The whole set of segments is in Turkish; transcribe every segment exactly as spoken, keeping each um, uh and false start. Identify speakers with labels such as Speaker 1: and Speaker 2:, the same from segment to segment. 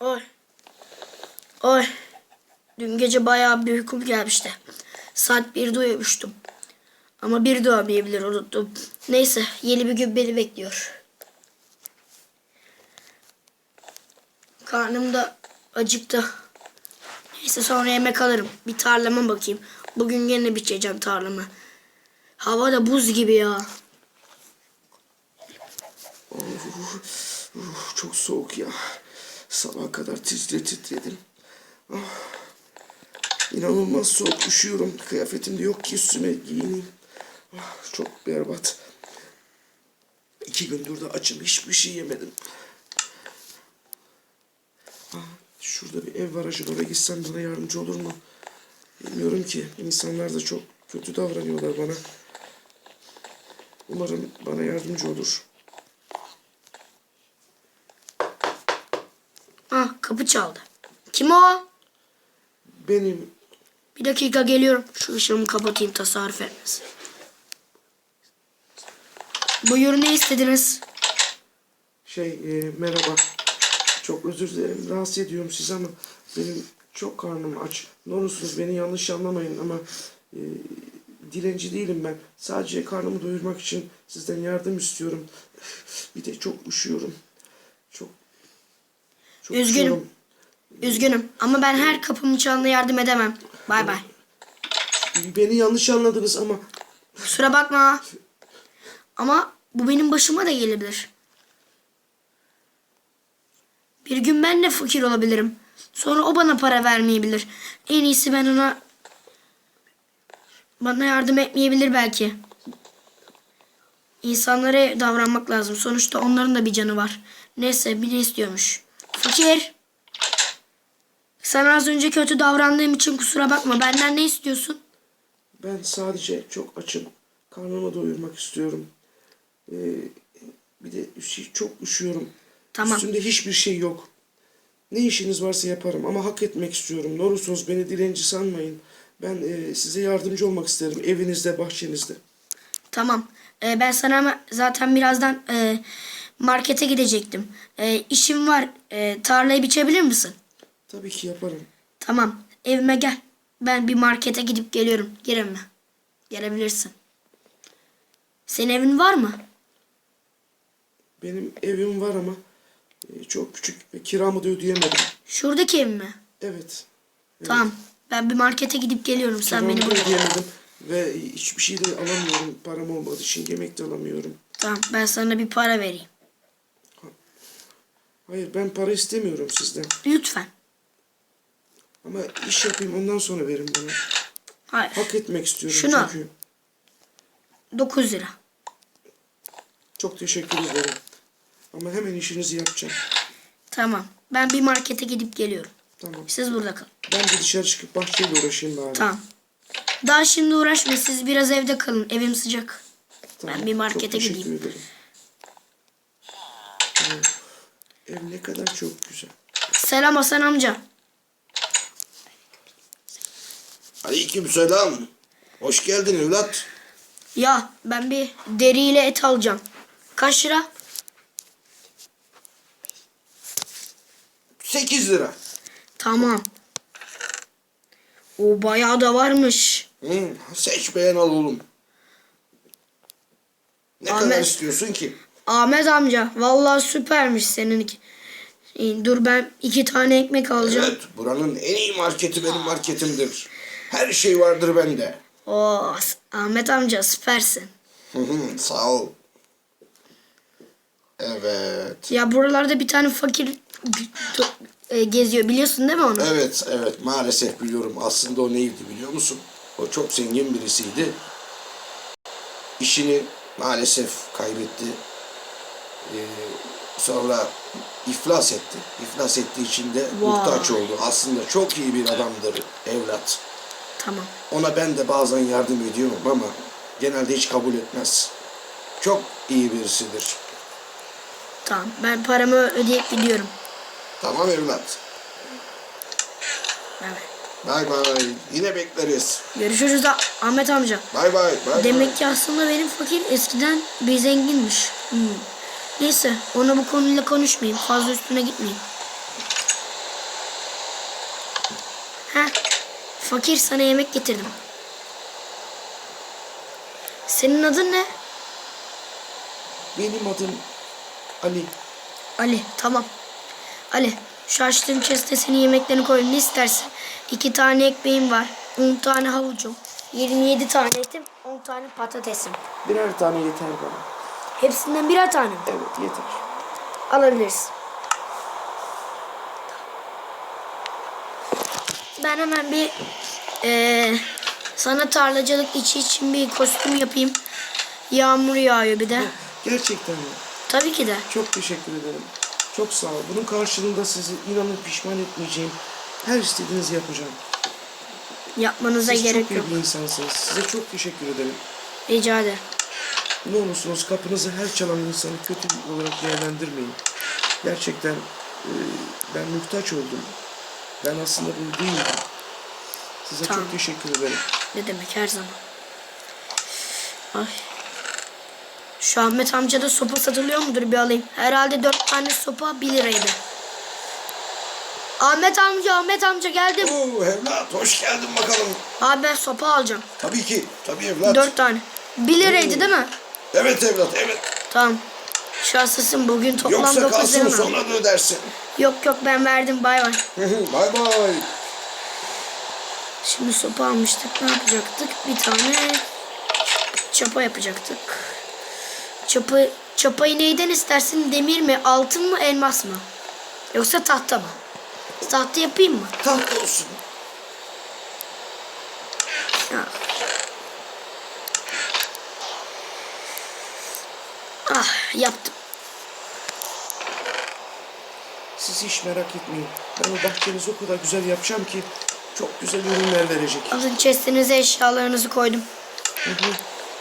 Speaker 1: Oy. Oy. Dün gece bayağı bir uykum gelmişti. Saat birde uyumuştum. Ama bir de olmayabilir, unuttum. Neyse, yeni bir gün beni bekliyor. Karnım da acıktı. Neyse, sonra yemek alırım. Bir tarlama bakayım. Bugün yine biçeceğim tarlamı. Hava da buz gibi ya.
Speaker 2: Uf, uf, çok soğuk ya. Sabaha kadar titre titredim. Ah, İnanılmaz soğuk, üşüyorum. Kıyafetim de yok ki üstüme giyineyim. Ah, çok berbat. İki gündür de açım, hiçbir şey yemedim. Ah, şurada bir ev var, acaba oraya gitsem bana yardımcı olur mu? Bilmiyorum ki. İnsanlar da çok kötü davranıyorlar bana. Umarım bana yardımcı olur.
Speaker 1: Ah, kapı çaldı. Kim o?
Speaker 2: Benim.
Speaker 1: Bir dakika, geliyorum. Şu ışığımı kapatayım, tasarruf etmesin. Buyurun, ne istediniz?
Speaker 2: Şey, e, merhaba. Çok özür dilerim. Rahatsız ediyorum sizi ama benim çok karnım aç. Ne olursunuz beni yanlış anlamayın ama e, dilenci değilim ben. Sadece karnımı doyurmak için sizden yardım istiyorum. Bir de çok üşüyorum. Çok, çok
Speaker 1: Üzgünüm.
Speaker 2: üşüyorum.
Speaker 1: Üzgünüm ama ben her kapımın çalana yardım edemem. Bay bay.
Speaker 2: Beni yanlış anladınız ama
Speaker 1: Kusura bakma. Ama bu benim başıma da gelebilir. Bir gün ben de fakir olabilirim. Sonra o bana para vermeyebilir. En iyisi ben ona... Bana yardım etmeyebilir belki. İnsanlara davranmak lazım. Sonuçta onların da bir canı var. Neyse, bir ne istiyormuş. Fakir. Sana az önce kötü davrandığım için kusura bakma. Benden ne istiyorsun?
Speaker 2: ben sadece çok açım. Karnımı doyurmak istiyorum. Ee, bir de üş- çok üşüyorum.
Speaker 1: Tamam.
Speaker 2: Üstümde hiçbir şey yok. Ne işiniz varsa yaparım ama hak etmek istiyorum. Ne olursunuz beni dilenci sanmayın. Ben e, size yardımcı olmak isterim. Evinizde, bahçenizde.
Speaker 1: Tamam. Ee, ben sana ama zaten birazdan e, markete gidecektim. E, işim var. E, tarlayı biçebilir misin?
Speaker 2: Tabii ki yaparım.
Speaker 1: Tamam. Evime gel. Ben bir markete gidip geliyorum. Gel evime. Gelebilirsin. Senin evin var mı?
Speaker 2: Benim evim var ama e, çok küçük ve kiramı da ödeyemedim.
Speaker 1: Şuradaki ev mi?
Speaker 2: Evet. evet.
Speaker 1: Tamam. Ben bir markete gidip geliyorum. Sen
Speaker 2: Kiramı
Speaker 1: beni
Speaker 2: da
Speaker 1: bul.
Speaker 2: ödeyemedim ve hiçbir şey de alamıyorum. Param olmadığı için yemek de alamıyorum.
Speaker 1: Tamam. Ben sana bir para vereyim.
Speaker 2: Hayır, ben para istemiyorum sizden.
Speaker 1: Lütfen.
Speaker 2: Ama iş yapayım, ondan sonra verin bana.
Speaker 1: Hayır.
Speaker 2: Hak etmek istiyorum
Speaker 1: Şunu al.
Speaker 2: çünkü.
Speaker 1: dokuz lira.
Speaker 2: Çok teşekkür ederim. Ama hemen işinizi yapacağım.
Speaker 1: Tamam. Ben bir markete gidip geliyorum.
Speaker 2: Tamam.
Speaker 1: Siz burada kalın.
Speaker 2: Ben de dışarı çıkıp bahçeyle uğraşayım bari.
Speaker 1: Tamam. Daha şimdi uğraşma. Siz biraz evde kalın. Evim sıcak.
Speaker 2: Tamam,
Speaker 1: Ben bir markete
Speaker 2: çok teşekkür
Speaker 1: gideyim.
Speaker 2: ederim. Of, ev ne kadar çok güzel.
Speaker 1: Selam Hasan amca.
Speaker 3: Aleykümselam. Hoş geldin evlat.
Speaker 1: Ya ben bir deriyle et alacağım. Kaç lira?
Speaker 3: Sekiz lira.
Speaker 1: Tamam. O bayağı da varmış.
Speaker 3: Hı, seç beğen al oğlum. Ne
Speaker 1: Ahmet.
Speaker 3: kadar istiyorsun ki?
Speaker 1: Ahmet amca vallahi süpermiş seninki. İyi, dur ben iki tane ekmek alacağım.
Speaker 3: Evet, buranın en iyi marketi benim marketimdir. Her şey vardır bende.
Speaker 1: Oo, Ahmet amca süpersin.
Speaker 3: Hı hı, sağ ol. Evet.
Speaker 1: Ya buralarda bir tane fakir e, geziyor, biliyorsun değil mi onu?
Speaker 3: Evet, evet maalesef biliyorum. Aslında o neydi biliyor musun? O çok zengin birisiydi. İşini maalesef kaybetti. Ee, sonra iflas etti. İflas ettiği için de
Speaker 1: Vay.
Speaker 3: muhtaç oldu. Aslında çok iyi bir adamdır evlat.
Speaker 1: Tamam.
Speaker 3: Ona ben de bazen yardım ediyorum ama genelde hiç kabul etmez. Çok iyi birisidir.
Speaker 1: Tamam. Ben paramı ödeyip gidiyorum.
Speaker 3: Tamam evlat.
Speaker 1: Evet.
Speaker 3: Bay bay. Yine bekleriz.
Speaker 1: Görüşürüz da Ahmet amca.
Speaker 3: Bay bay. Bay
Speaker 1: Demek
Speaker 3: bay.
Speaker 1: ki aslında benim fakir eskiden bir zenginmiş. Hmm. Neyse ona bu konuyla konuşmayayım. Fazla üstüne gitmeyeyim. Heh. Fakir, sana yemek getirdim. Senin adın ne?
Speaker 2: Benim adım Ali.
Speaker 1: Ali, tamam. Ali, şu açtığım chest'e senin yemeklerini koyayım. Ne istersin? İki tane ekmeğim var. On tane havucum. Yirmi yedi tane etim. On tane patatesim.
Speaker 2: Birer tane yeter bana.
Speaker 1: Hepsinden birer tane mi?
Speaker 2: Evet, yeter.
Speaker 1: Alabiliriz. Ben hemen bir eee, sana tarlacılık içi için bir kostüm yapayım. Yağmur yağıyor bir de.
Speaker 2: Gerçekten mi?
Speaker 1: Tabii ki de.
Speaker 2: Çok teşekkür ederim. Çok sağ ol. Bunun karşılığında sizi inanın pişman etmeyeceğim. Her istediğinizi yapacağım.
Speaker 1: Yapmanıza
Speaker 2: Siz
Speaker 1: gerek
Speaker 2: çok iyi
Speaker 1: yok.
Speaker 2: bir insansınız. Size çok teşekkür ederim.
Speaker 1: Rica ederim.
Speaker 2: Ne olursunuz kapınızı her çalan insanı kötü olarak değerlendirmeyin. Gerçekten e, ben muhtaç oldum. Ben aslında bunu değildim. Size
Speaker 1: Tamam.
Speaker 2: çok teşekkür ederim.
Speaker 1: Ne demek, her zaman. Ay. Şu Ahmet amcada sopa satılıyor mudur, bir alayım. Herhalde dört tane sopa bir liraydı. Ahmet amca, Ahmet amca geldim.
Speaker 3: Oo evlat hoş geldin bakalım.
Speaker 1: Abi ben sopa alacağım.
Speaker 3: Tabii ki. Tabii evlat.
Speaker 1: Dört tane. Bir liraydı değil mi?
Speaker 3: Evet evlat evet.
Speaker 1: Tamam. Şanslısın, bugün toplam
Speaker 3: Yoksa
Speaker 1: dokuz
Speaker 3: kalsın
Speaker 1: lira.
Speaker 3: sonra da ödersin.
Speaker 1: Yok yok, ben verdim, bay bay.
Speaker 3: Bay bay.
Speaker 1: Şimdi sopa almıştık, ne yapacaktık? Bir tane çapa yapacaktık. Çapı, çapayı neyden istersin? Demir mi, altın mı, elmas mı? Yoksa tahta mı? Tahta yapayım mı?
Speaker 3: Taht olsun.
Speaker 1: Ya. Ah, yaptım.
Speaker 2: Siz hiç merak etmeyin. Ben o bahçenizi o kadar güzel yapacağım ki çok güzel ürünler verecek.
Speaker 1: Alın chest'inize eşyalarınızı koydum.
Speaker 2: Hı hı.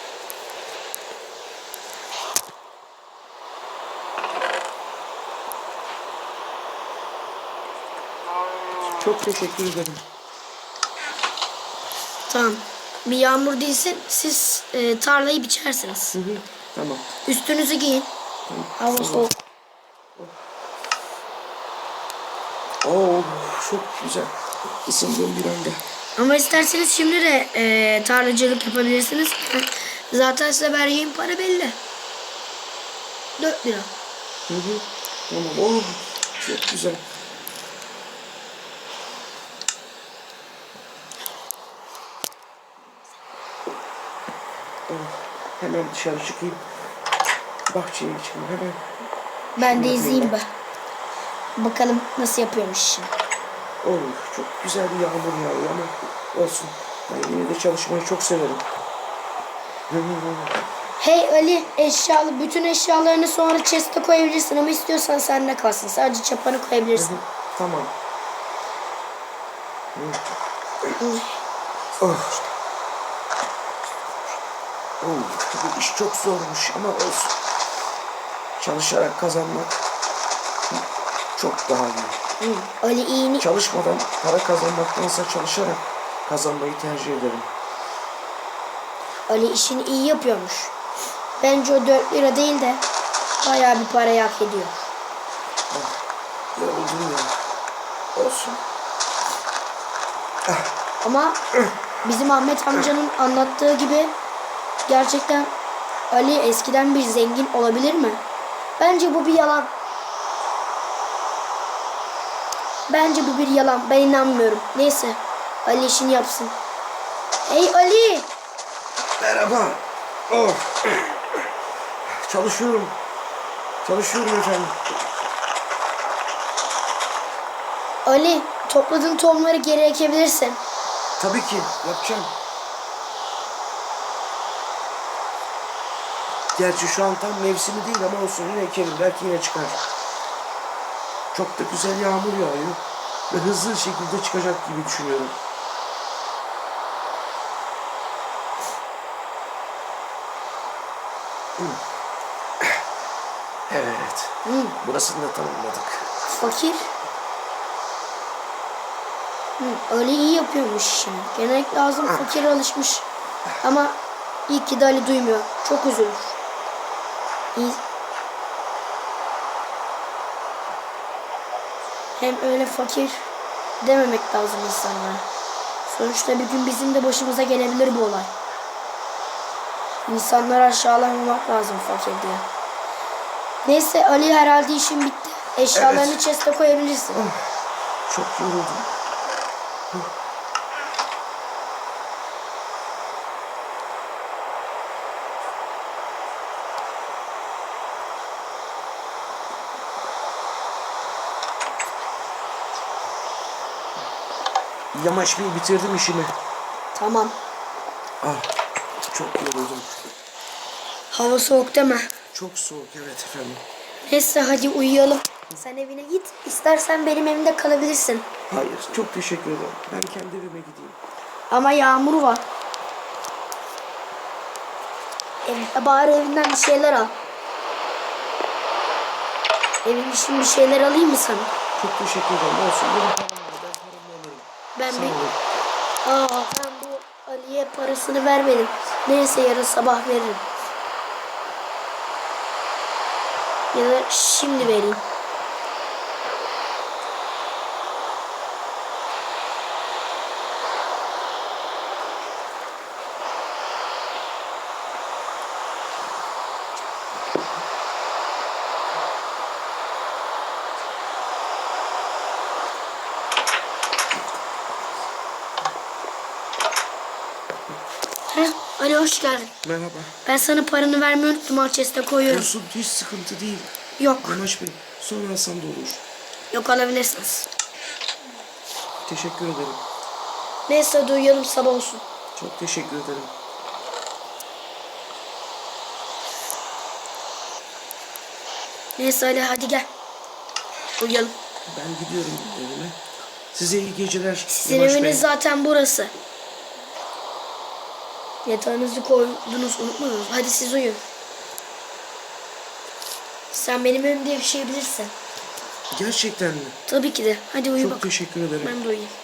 Speaker 2: Çok teşekkür ederim.
Speaker 1: Tamam. Bir yağmur değilsin, siz e, tarlayı biçersiniz.
Speaker 2: Hı hı. Tamam.
Speaker 1: Üstünüzü giyin. Hava soğuk.
Speaker 2: Oo, çok güzel. Isındım bir anda.
Speaker 1: Ama isterseniz şimdi de e, tarlacılık yapabilirsiniz. Zaten size vereceğim para belli. Dört lira.
Speaker 2: Hı hı. Tamam. Oh, çok güzel. Oh, hemen dışarı çıkayım. Bahçeye çıkayım hemen.
Speaker 1: Ben de
Speaker 2: Şunu
Speaker 1: izleyeyim
Speaker 2: yapayım.
Speaker 1: be. Bakalım nasıl yapıyormuş şimdi.
Speaker 2: Oh, çok güzel bir yağmur yağıyor ama olsun. Ben yine de çalışmayı çok severim. Hı hı hı.
Speaker 1: Hey Ali, eşyalı bütün eşyalarını sonra chest'e koyabilirsin ama istiyorsan sende kalsın. Sadece çapanı
Speaker 2: Hı
Speaker 1: koyabilirsin.
Speaker 2: hı. Tamam. Oh. Oh, bu iş çok zormuş ama olsun. Çalışarak kazanmak çok daha iyi.
Speaker 1: Hı. Ali iyini
Speaker 2: Çalışmadan para kazanmaktansa çalışarak kazanmayı tercih ederim.
Speaker 1: Ali işini iyi yapıyormuş. Bence o dört lira değil de bayağı bir parayı hak ediyor.
Speaker 2: Yoruldum ya. Olsun.
Speaker 1: Ama bizim Ahmet amcanın anlattığı gibi gerçekten Ali eskiden bir zengin olabilir mi? Bence bu bir yalan. Bence bu bir yalan. Ben inanmıyorum. Neyse. Ali işini yapsın. Hey Ali!
Speaker 2: Merhaba. Oh. Çalışıyorum. Çalışıyorum efendim.
Speaker 1: Ali, topladığın tohumları geri ekebilirsin.
Speaker 2: Tabii ki yapacağım. Gerçi şu an tam mevsimi değil ama olsun yine ekelim. Belki yine çıkar. Çok da güzel yağmur yağıyor. Ve hızlı şekilde çıkacak gibi düşünüyorum. Evet.
Speaker 1: Hı,
Speaker 2: Burasını da tamamladık.
Speaker 1: fakir. Hı, Ali iyi yapıyormuş işini. Genellikle ağzım fakir alışmış. Ama iyi ki de Ali duymuyor. Çok üzülür. İyi. Hem öyle fakir dememek lazım insanlara. Sonuçta bir gün bizim de başımıza gelebilir bu olay. İnsanları aşağılamamak lazım fakir diye. Neyse Ali, herhalde işin bitti. Eşyalarını
Speaker 2: Evet.
Speaker 1: chest'e koyabilirsin.
Speaker 2: Ah, çok yoruldum. Yamaç Bey, bitirdim işimi.
Speaker 1: Tamam.
Speaker 2: Ah, çok yoruldum.
Speaker 1: Hava soğuk deme.
Speaker 2: Çok soğuk, evet efendim.
Speaker 1: Neyse hadi uyuyalım. Sen evine git. İstersen benim evimde kalabilirsin.
Speaker 2: Hayır, çok teşekkür ederim. Ben kendi evime gideyim.
Speaker 1: Ama yağmur var. Ev, bari evinden bir şeyler al. Evin için bir şeyler alayım mı sana?
Speaker 2: Çok teşekkür ederim. Olsun, benim param var. Ben paramı alırım.
Speaker 1: Ben
Speaker 2: Sağ
Speaker 1: bir...
Speaker 2: olun.
Speaker 1: Aa, ben bu Ali'ye parasını vermedim. Neyse yarın sabah veririm. Ya da şimdi vereyim. Heh, Ali hoş geldin.
Speaker 2: Merhaba.
Speaker 1: Ben sana paranı vermeyi unuttum. Al chest'e koyuyorum.
Speaker 2: Olsun, hiç sıkıntı değil.
Speaker 1: Yok.
Speaker 2: Yamaç Bey, sonra alsam da olur.
Speaker 1: Yok, alabilirsiniz.
Speaker 2: Teşekkür ederim.
Speaker 1: Neyse hadi uyuyalım, sabah olsun.
Speaker 2: Çok teşekkür ederim.
Speaker 1: Neyse Ali hadi gel. Uyuyalım.
Speaker 2: Ben gidiyorum evime. Size iyi geceler.
Speaker 1: Sizin
Speaker 2: Yamaç Bey.
Speaker 1: eviniz zaten burası. Yatağınızı koydunuz, unutmadınız. Hadi siz uyuyun. Sen benim evimde yaşayabilirsin.
Speaker 2: Gerçekten mi?
Speaker 1: Tabii ki de. Hadi uyu
Speaker 2: Çok
Speaker 1: bak.
Speaker 2: teşekkür ederim.
Speaker 1: Ben de uyuyayım.